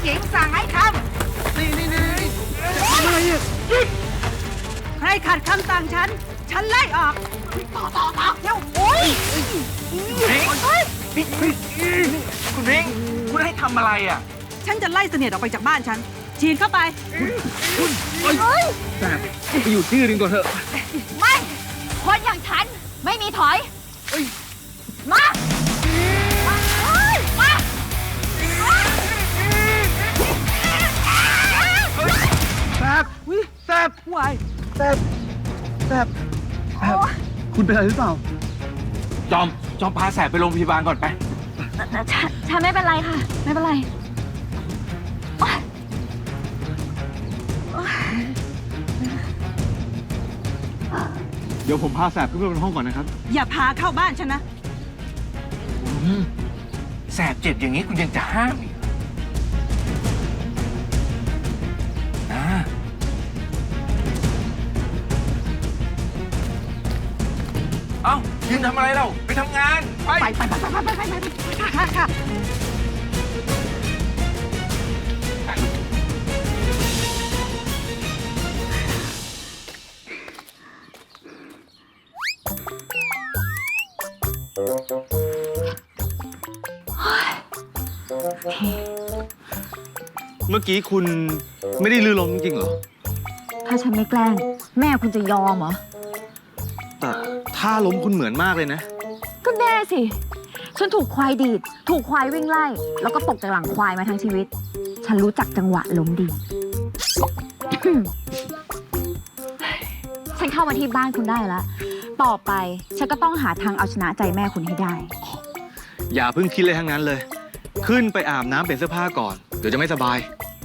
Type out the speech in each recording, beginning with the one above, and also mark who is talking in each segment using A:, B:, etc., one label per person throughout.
A: หญิงสั่งให้ทำ
B: นี่อะไรเนี่ย
A: ใครขัดคำสั่งฉันไล่ออกต่อเร็วโอ้ย
C: คุณพิงค์คุณให้ทำอะไรอ่ะ
A: ฉันจะไล่เสนียดออกไปจากบ้านฉันฉีดเข้าไป
B: แต่ไปอยู่ที่อื่นก่อนเถอะ
D: ไม่คนอย่างฉันไม่มีถอย มามา
B: แซบแซบ
A: วาย
B: แซบแซบคุณเป็นอะไรหรือเปล่า
C: จอมพาแสบไปโรงพยาบาลก่อนไป
D: ฉันไม่เป็นไรค่ะ ไม่เป็นไร
B: เดี๋ยวผมพาแสบขึ้นไปบนห้องก่อนนะครับ
A: อย่าพาเข้าบ้านฉันนะ
C: แสบเจ็บอย่างนี้คุณยังจะห้ามอีกนะเอ้ายืนทำอะไรเราไปทำงาน ไป
A: ไปค่ะ
B: เมื่อกี้คุณไม่ได้ลื่นล้มจริงๆเหรอ
D: ถ้าฉันไม่แกล้ง แม่คุณจะยอมเหรอ
B: แต่ท่าล้มคุณเหมือนมากเลยนะ
D: ก็แน่สิ ฉันถูกควายดีด ถูกควายวิ่งไล่ แล้วก็ตกจากหลังควายมาทั้งชีวิต ฉันรู้จักจังหวะล้มดี ฉันเข้ามาที่บ้านคุณได้แล้ว ต่อไปฉันก็ต้องหาทางเอาชนะใจแม่คุณให้ได้
B: อย่าเพิ่งคิดเลยทั้งนั้นเลย ขึ้นไปอาบน้ำเปลี่ยนเสื้อผ้าก่อน เดี๋ยวจะไม่สบาย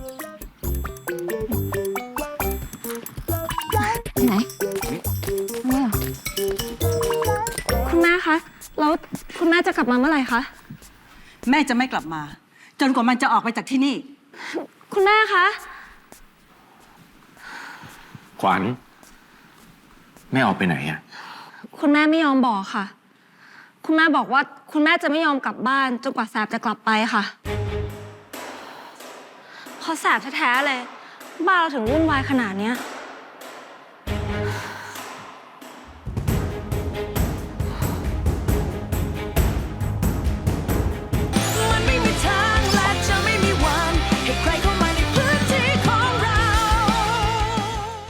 D: ไหนไม่เหรอ
E: คุณแม่คะ แล้วคุณแม่จะกลับมาเมื่อไหร่คะ
A: แม่จะไม่กลับมา จนกว่ามันจะออกไปจากที่นี่
E: คุณแม่คะ
C: ขวัญแม่ออกไปไหนอ่ะ
E: คุณแม่ไม่ยอมบอกค่ะ คุณแม่บอกว่าคุณแม่จะไม่ยอมกลับบ้านจนกว่าแสบจะกลับไปค่ะเพราะแสบแท้ๆเลย บ้านเราถึงวุ่นวายขนาดเนี้ย